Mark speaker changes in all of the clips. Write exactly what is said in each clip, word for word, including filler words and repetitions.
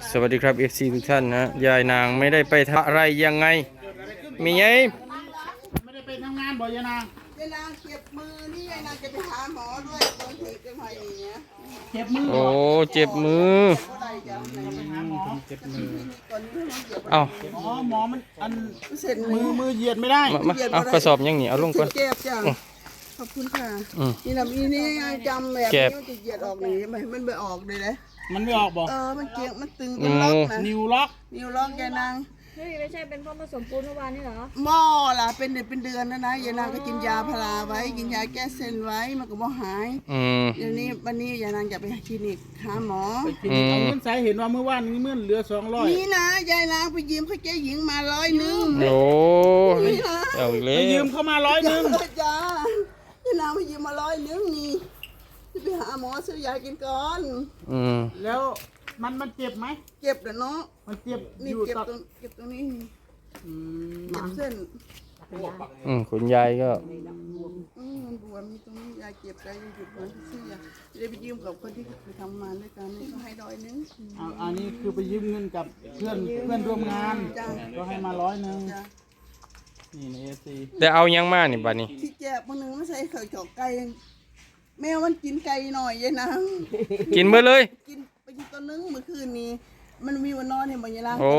Speaker 1: สวัสดีครับ เอฟ ซี ทุกท่านนะยายนางไม่ได้ไปทำอะไรยังไงมีไง
Speaker 2: ไม่ได้ไปทำงานบ่อยนาง
Speaker 3: ยายนางเจ็บมือนี่ยายนางจะไปหาหมอด้วยโดนถีบกันมาอย่างเงี้ย
Speaker 2: เจ็บมือ
Speaker 1: โอ้เจ็บมือ
Speaker 2: ไปหาหมอเจ็บมือ
Speaker 1: เอ้า
Speaker 2: อ๋อหมอมันอันมือมือเหยียดไม่ได้
Speaker 1: มาเอากระสอบยังหนีเอาลงก่อน
Speaker 3: เจ็บจ้ะขอบคุณค่ะนี่ลำอีนี่จำแบบนี้จะเหยียดออกนี่มันมันไม่ออกเลยนะ
Speaker 2: มันไม่ออกบ่
Speaker 3: เออมันเจ็บมันตึงเป็นล็อกนะ
Speaker 2: นิวล็อก
Speaker 3: นิวล็อกยายนาง
Speaker 4: เฮ้ยไม่ใช่เป็นเพราะผสมปูนเมื่อวานนี่เหรอ
Speaker 3: หม้อล่ะเป็นเดือนเป็นเดือนนะนะยายนางก็กินยาพาราไว้กินยาแก้เส้นไว้มันก็บ่หายเดี๋ยวนี้วันนี้ยายนางอยากไปคลินิกหาหมอ
Speaker 2: ไปคลินิกเอาเงินใส่เห็นว่าเมื่อวานนี้เมื่อเหลือสองร้อย
Speaker 3: นี่นะยายนางไปยืมเขาเจ๊หญิงมาร้อยหนึ่ง
Speaker 1: โอ้เอาเลย
Speaker 2: ไปยืมเขามาร้อยหนึ่ง
Speaker 3: จ้ายายนางไปยืมมาร้อยหนึ่งนี่ไปหาหมอซื้อยากินก่อน
Speaker 1: อืม
Speaker 2: แล้วมันมันเจ็บไหม
Speaker 3: เจ็บเด้อเนาะ
Speaker 2: มันเจ็บ
Speaker 3: นี่เจ็บตรงเจ็บตรงนี้
Speaker 2: อืม
Speaker 3: เจ็บเส้น
Speaker 1: อืมคุณยายก็
Speaker 3: อืมมันบวมมีตรงนี้ยายเจ็บใจหยุดมันซื้อยาจะได้ไปยืมกับคนที่ไปทำงานด้วยกันนี่ก็ให้ร้อยนึง
Speaker 2: เอาอันนี้คือไปยืมเงินกับเพื่อนเพื่อนร่วมงานก็ให้มาร้อยนึงนี่ในเอซี
Speaker 1: แต่เอายังมากนี่บัดนี้
Speaker 3: ที่เจ็บคนนึงไม่ใช่เคยจอกไก่แมวมันกินไก่หน่อยยายนาง
Speaker 1: กินเมื่อเลย
Speaker 3: กินไปกินตัวนึงเมื่อคืนนี้มันมีวันนอนเนี่ยมันยังล่าง
Speaker 1: โอ้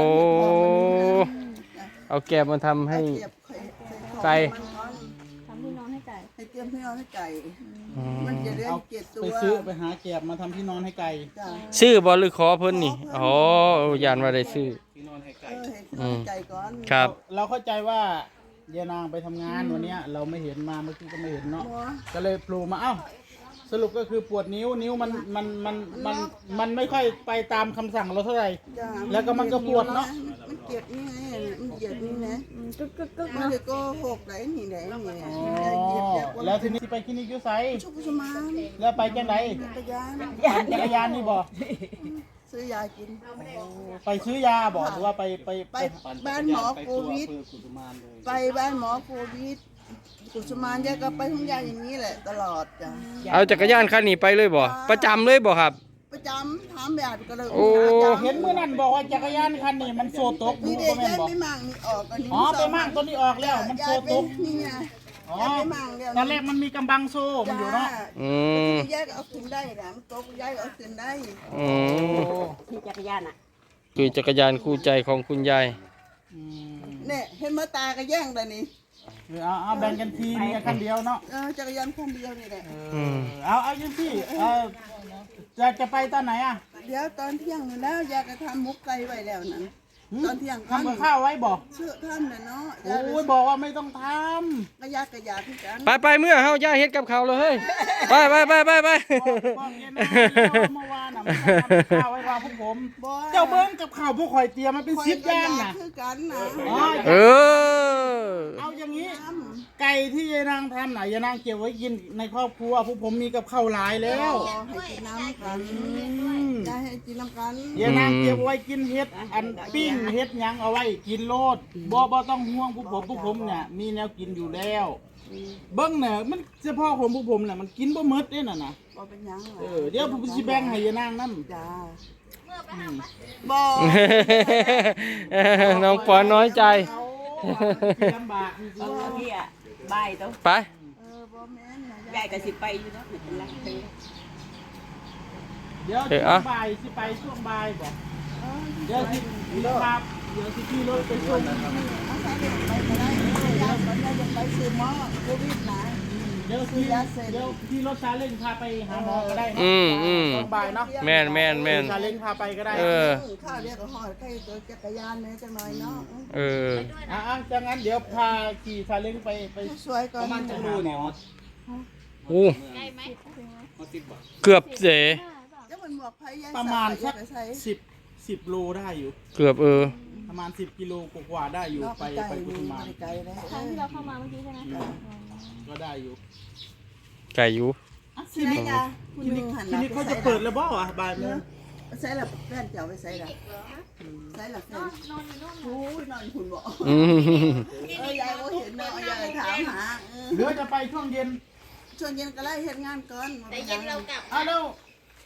Speaker 1: เอาแกบมาทำให้ไก่
Speaker 4: ทำที่นอนให้ไก่
Speaker 3: ให้เตรียมที่นอนให้ไก่มันจะได้เก็บตัว
Speaker 2: ไปซื้อไปหาแกบมาทำที่นอนให้ไก่
Speaker 1: ชื่อบอลหรือขอเพิ่นนี่อ๋อยานว่าได้ซื้อ
Speaker 2: ที่นอนให้ไก่
Speaker 3: เออให้ไก่ก่อน
Speaker 1: ครับ
Speaker 2: เราเข้าใจว่ายายนางไปทำงานวันนี้เราไม่เห็นมาเมื่อกี้ก็ไม่เห็นเนาะก็เลยโผล่มาเอ้าสรุปก็คือปวดนิ้วนิ้วมันมันมันมันมันไม่ค่อยไปตามคำสั่งเราเท่าไหร่แล้วก็มันก็ปวดเนาะ
Speaker 3: มันเจ็บนี่ไงมันเจ็บนี่นะกึกกึกกึกมันเลยก็หกไหลนี่ไหนนี่
Speaker 2: แล้วทีนี้ไปคลินิกยูไซ
Speaker 3: ชุกชุมาน
Speaker 2: แล้วไปจังไหน
Speaker 3: จักรยาน
Speaker 2: จักรยานนี่บอก
Speaker 3: ซื้อยากิน
Speaker 2: ไปซื้อยาบอกหรือว่าไปไป
Speaker 3: ไปบ้านหมอโควิดไปบ้านหมอโควิดกุศมานยายก็ไปทุ่งยาอย่างนี้แหละตลอดจ้ะ
Speaker 1: เอาจักรยานคันนี้ไปเลยบ่ประจำเลยบ่ครับ
Speaker 3: ประจำถามแบบก็เลย
Speaker 1: โอ้
Speaker 2: เห็นเมื่อนั้นบอกว่าจักรยานคันนี้มันโซตก
Speaker 3: นี่เด็กได้ไม่มั่งนี่ออกอันนี้
Speaker 2: อ๋อไปมั่งตัวนี้ออกแล้วมันโซตก
Speaker 3: นี่ไง
Speaker 2: อ๋อตอนแรกมันมีกำบังโซ่มันอยู่เนาะ
Speaker 1: อืม
Speaker 3: ยายก็เอาขึ้นได้นะมันตกยายก็เอาขึ้นได้
Speaker 1: อืม
Speaker 4: ขี่จักรยานอ่ะ
Speaker 1: คือจักรยานคู่ใจของคุณยาย
Speaker 3: เนี่ยเห็นมาตาก็แย่งแต่นี่
Speaker 2: เอาเอาแบ่งกันทีมีคันเดียวเนาะ
Speaker 3: เออจักรยานคันเดียวนี่แหละ
Speaker 2: เอาเอายังพี่เออจะจะไปตอนไหนอ่ะ
Speaker 3: เดี๋ยวตอนเที่ยงนี่แล้วยายก็ทำมุกไก่ไว้แล้วนั่นตอนเที่ยง
Speaker 2: ทำกับข้าวไว้บอก
Speaker 3: เชื่อท่านเลยเนาะ
Speaker 2: โอ้ยบอกว่าไม่ต้องทำ
Speaker 3: ก็ยากกระยาที่กัน
Speaker 1: ไปไปเมื่อเฮาย่าเฮ็ดกับเขาเลยเฮ้ยไปไปไปไปไป
Speaker 2: เมื่อวานน่ะทำข้าวไว้ว่าพวกผมเจ้าเบิ้งกับข้าวพวกข่อยเตรียมมันเป็นซิปย่างน่ะ
Speaker 3: คือกันนะ
Speaker 1: เออ
Speaker 2: เอาอย่างนี้ไก่ที่ยายนางทำน่ะยายนางเก็บไว้กินในครอบครัวพวกผมมีกับข้าวหลายแล้ว
Speaker 3: ให้กินน้ำกันยายให้กินน้ำกัน
Speaker 2: ยายนางเก็บไว้กินเฮ็ดอันปิ้งเฮ็ดยังเอาไว้กินโลดบ่บ่ต้องห่วงพวกผมพวกผมเนี่ยมีแนวกินอยู่แล้วเบิ้งเนี่ยมันเฉพาะของพวกผมเนี่ยมันกินบ่หมดเด้น่ะนะ
Speaker 3: บ่เป็นยัง
Speaker 2: เออเดี๋ยวผมสิแบ่งให้ยายนางนำ
Speaker 3: จ้าบ่
Speaker 1: น้องปอนน้อยใจ
Speaker 2: ลำบาก
Speaker 4: เออพี่อ่ะบายตัว
Speaker 1: ไป
Speaker 3: เออบ่แม่น
Speaker 4: ยายก็สิไปอยู่เนาะเป็นไร
Speaker 2: เดี๋ยวช่วงบ่ายสิไปช่วงบ่ายบ่เดี๋ยวสิครับเดี๋ยวสิขี่รถไปส่ง
Speaker 3: เอาใส่เด็กไปก็ได้ยายก็จะไปซื้อหมอโควิดนะ
Speaker 2: เดี๋ยวขี่เดี๋ยวขี่รถซาเล้งพาไปหาหมอก็ได้นะ
Speaker 1: อืมอืม
Speaker 2: ช่วงบ่ายเนาะ
Speaker 1: แม่นแม่นแม่น
Speaker 2: ซาเล้งพาไปก็ได้
Speaker 1: เออ
Speaker 3: ข้าวเรียกก็หอดใกล้ตัวจักรยานแม่จังหน่อยเนาะ
Speaker 1: เออ
Speaker 2: อ่ะๆจังงั้นเดี๋ยวพาขี่ซาเล้งไปไป
Speaker 3: สวยก่อน
Speaker 2: ประมาณจังรูเนี่ย
Speaker 1: โอ้เกือบเส
Speaker 2: ประมาณสักสิบสิบโลได้อยู่
Speaker 1: เกือบเออ
Speaker 2: ประมาณสิบกิโลกว่าได้อยู่ไปไปกุฎมา
Speaker 4: ทางที่เราเข้ามาเมื่อกี้ใช่ไหม
Speaker 2: ก็ได้อยู่
Speaker 1: ไก่อยู่
Speaker 3: ที่นี่
Speaker 2: ที่นี่เขาจะเปิดแล้วบ่อ่ะบ่ายโมง
Speaker 3: ใส่ละแฟนเจ้าไปใส่ละใส่ละแฟนนอนอยู่นู่นโอ้ยนอนคุณบอกเออยายก็เห็นเนาะยายถามหา
Speaker 2: หรือจะไปช่วงเย็น
Speaker 3: ช่วงเย็นก็ไล่เฮ็ดงานก่อน
Speaker 4: แต่เย็นเรากลับ
Speaker 2: อ้าวแล้ว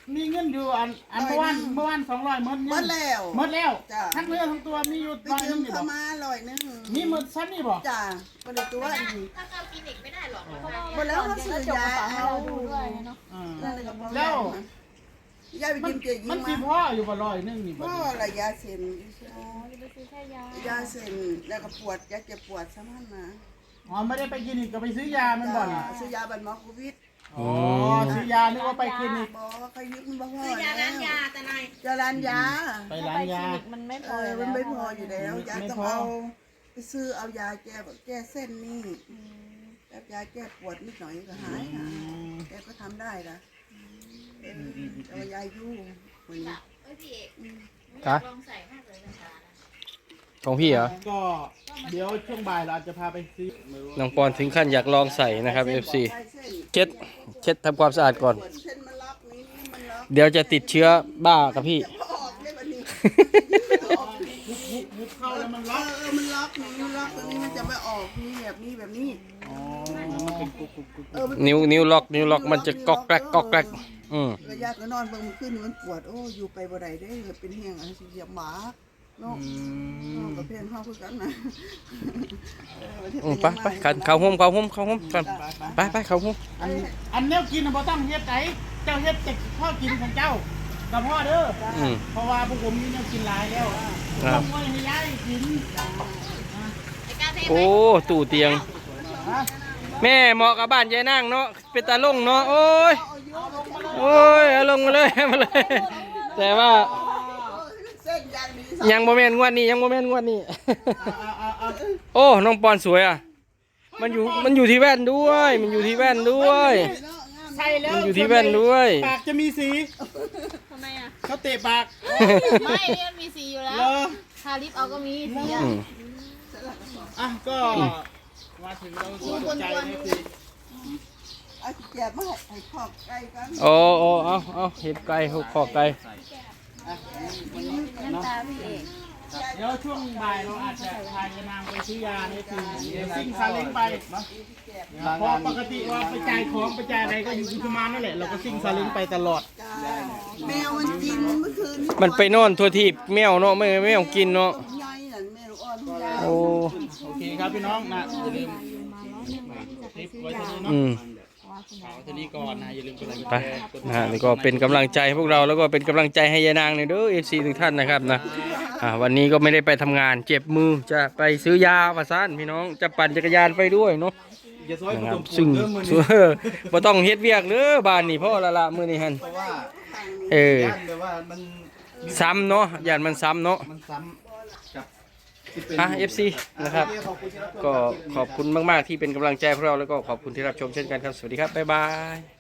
Speaker 2: มีเงินอยู่อันอันเมื่อวานเมื่อวานสองร้อยหมด
Speaker 3: หม
Speaker 2: เงิ
Speaker 3: ด
Speaker 2: น
Speaker 3: แล้ว
Speaker 2: หมดแล้ว
Speaker 3: จ้ะ
Speaker 2: ทั้งเรื่องทั้งตัวมีอยู่
Speaker 3: ไป
Speaker 2: ร้อยห
Speaker 3: ยื
Speaker 2: นึ
Speaker 3: ม
Speaker 2: งนี่
Speaker 3: เข้า
Speaker 2: บ่
Speaker 3: มาร้อยหนึง
Speaker 2: มีหมดซ้ำนี่บ่
Speaker 3: จ้ะบ่ได้ตัวอันนี้
Speaker 5: ถ้าเข้าคลินิกไม่ได้หรอก
Speaker 3: บ่แล้วเขาซื้อยา
Speaker 4: ให้
Speaker 3: เอา
Speaker 4: เราดูด้วยเนาะ
Speaker 2: อ่า
Speaker 3: นั่นเลยก็พอ
Speaker 2: แล้ว
Speaker 3: ยายไป
Speaker 2: มัน
Speaker 3: กินเกลือยิ
Speaker 2: มัน
Speaker 3: ง
Speaker 2: สิ
Speaker 3: มา
Speaker 2: พ่ออยู่บ่ร้อยหนึงนี่บ่
Speaker 3: พ่อละยาเส้น
Speaker 4: อ๋อจะไปซื้อแค่ยาย
Speaker 3: าเส้นแล้วก็ปวดยาเจ็บปวดซ้ำมันมา
Speaker 2: อ๋อไม่ได้ไปคลินิกก็ไปซื้อยามันบ่นี่
Speaker 3: ซื้อยาบันหมอโควิด
Speaker 2: อ๋อซื้อยานึกว่าไปคลินิก
Speaker 3: บอเขายึดมันบ่พอ
Speaker 5: ซื้อยาร้านยาแต่นาย
Speaker 3: ยาร้านยา
Speaker 2: ไป
Speaker 4: ถ้า
Speaker 2: ร้า
Speaker 4: ไป
Speaker 2: น
Speaker 4: คลิ
Speaker 2: ยา
Speaker 4: นิกมันไม่พ
Speaker 3: เอ
Speaker 4: อ
Speaker 3: อ
Speaker 4: อยู่
Speaker 3: มันไม่
Speaker 4: แล้ว
Speaker 3: พออยู่แล้วยา
Speaker 2: ไม่
Speaker 3: ต้อง
Speaker 2: พอ
Speaker 3: เอาไปซื้อเอายาแก้แบบแก้เส้นนี่แบบยาแก้ปวดนิดหน่อยก็หายค่ะแกก็ทำได้ละเออเอายายู่วันนี้
Speaker 5: เอ้ยพี่เอก
Speaker 1: ฮะ
Speaker 5: ลองใส่มากเลยนะคะ
Speaker 1: ของพี่เหรอ
Speaker 2: ก็เดี๋ยวช่วงบ่ายเราอาจจะพาไปซื้อ
Speaker 1: น้องปอนถึงขั้นอยากลองใส่นะครับ เอฟ ซี
Speaker 3: ใส่เส้น
Speaker 1: เช็ดเช็ดทำความสะอาดก่อน
Speaker 3: ปวดเส้นมันล็อกนี้นี่มันล็อก
Speaker 1: เดี๋ยวจะติดเชื้อบ้ากับพี่
Speaker 3: จะออกได้แบบนี้
Speaker 2: มุกเข้าแล้วมัน
Speaker 3: เอ
Speaker 2: ล็อก
Speaker 3: อเออมันล็อกนี่มันล็อกตรงนี้มันจะไม่ออกนี่แบบนี้แบบนี้
Speaker 2: อ๋อมันเป็นกุกกุกกุก
Speaker 3: เออมัน
Speaker 1: นิ้วนิ้วล็อกนิ้วล็อกมันจะก๊อกแกรกก๊อกแกรกอืม
Speaker 3: ระยะก็นอนเบิ่งมันขึ้นมันปวดโอ้อยู่ไปบ่ได้เด้อเป็นแห้งอะไรสิเหยียบหมาเนาะเนาะกับเพื่อนเฮาคือกันนะเออประเทศ
Speaker 1: อืม
Speaker 3: เป็น
Speaker 1: ไป
Speaker 3: ยังง
Speaker 1: ไปกันเข้าห้มเข้าห้มเข้าห้มกันไปไปเข้าห้ม
Speaker 2: อันอันแนวกินน่ะบ่ต้องเฮ็ดไสเจ้าเฮ็ดแต่พ่อกินของเจ้ากับพ่อเด้อ
Speaker 1: อืม
Speaker 2: เพราะว่าพวกผมมีแนวกินหลายแล้ว
Speaker 1: ครับ
Speaker 2: ต้องไว้ให้ยายกิน
Speaker 5: ไอ้กาเท
Speaker 1: โอ้ตู่เตียง
Speaker 2: ฮะ
Speaker 1: แม่เหมาะกับบ้านยายนั่งเนาะเป็นตาลงเนาะโอ้ยโอ้ยเอาลงมาเลยมาเลย แต่ว่า
Speaker 3: เส้นยางนี้
Speaker 1: ยังโมเมนต์งวดนี้ยังโมเมนต์งวดนี้
Speaker 2: เอาเอาเอา
Speaker 1: โอ้น้องปอนสวยอ่ะมันอยู่มันอยู่ที่แว่นด้วย มันอยู่ที่แว่นด้วย
Speaker 2: ใช่แล้ว
Speaker 1: มันอยู่ที่แว่นด้วย
Speaker 2: ปากจะมีสี
Speaker 4: ทำไมอ่ะ
Speaker 2: เขาเตะปาก
Speaker 4: ไม่เนี่ยมันมีสีอยู่แล้ว
Speaker 2: เหรอ
Speaker 4: ทาลิปเอาก็มีสีอ่ะ
Speaker 1: อืม
Speaker 2: อ่ะก็มาถึงเราสนใจนี่คือ
Speaker 3: เอาสิแก็บมาให้ให้ขอบไก่กัน
Speaker 1: โอ้โอ้เอาเอาเห็ดไก่หกขอกไก่
Speaker 4: น้ำตาพี่เอก
Speaker 2: เดี๋ยวช่วงบ่ายเราอาจจะพายานางไปซื้อยานี่คือเดี๋ยวซิ่งซาเล้งไปเนาะเพราะปกติว่าไปจ่ายของไปจ่ายอะไรก็อยู่กุมารนั่นแหละเราก็ซิ่งซาเล้งไปตลอด
Speaker 3: จ้าแมวมันกินเมื่อคืน
Speaker 1: มันไปนอนทั่วทีบแมวเนาะไม่ไม่เอากินเนาะ
Speaker 3: ใหญ่นั่นแมวอ่อนทุกอย่าง
Speaker 1: โอ้
Speaker 2: โอเคครับพี่น้องนะอย่าลืมคลิปไว้เท่านี้เนาะ
Speaker 1: อืม
Speaker 2: เอาเท่านี้ก่อนนะอย่าลืมกดไลค์กด
Speaker 1: ไป
Speaker 2: แชร์กด
Speaker 1: นะฮะนี่ก็เป็นกำลังใจให้พวกเราแล้วก็เป็นกำลังใจให้ยายนางเนี่ยเด้อเอฟซีทุกท่านนะครับนะอ่าวันนี้ก็ไม่ได้ไปทำงานเจ็บมือจะไปซื้อยาว่าซ่านพี่น้องจะปั่นจักรยานไปด้วยเนาะ
Speaker 2: อย่าซอย
Speaker 1: นะ
Speaker 2: ผ
Speaker 1: ครั
Speaker 2: ส
Speaker 1: บ
Speaker 2: มปู
Speaker 1: ซึ่ง
Speaker 2: นเริ่มมือ
Speaker 1: ซึ่
Speaker 2: นี้
Speaker 1: งบ่ต้องเฮ็ดเวียกเด้อบ้านนี่พ่อละละมื้อนี้หั่น
Speaker 2: เพราะว่า
Speaker 1: เออ
Speaker 2: ย่านแบบว่ามัน
Speaker 1: ซ้ำเนาะย่านมันซ้ำเนาะ
Speaker 2: มันซ้ำกับที่เป็น
Speaker 1: อ่ะ เอฟ ซี นะครับ
Speaker 2: โอเขอบคุณที่รับชม
Speaker 1: ก็
Speaker 2: รับคลิปนี้
Speaker 1: ขอบคุณมาก ๆ ที่เป็นกำลังใจพวกเราแล้วก็ขอบคุณที่รับชมเช่นกันครับ สวัสดีครับ บ๊ายบาย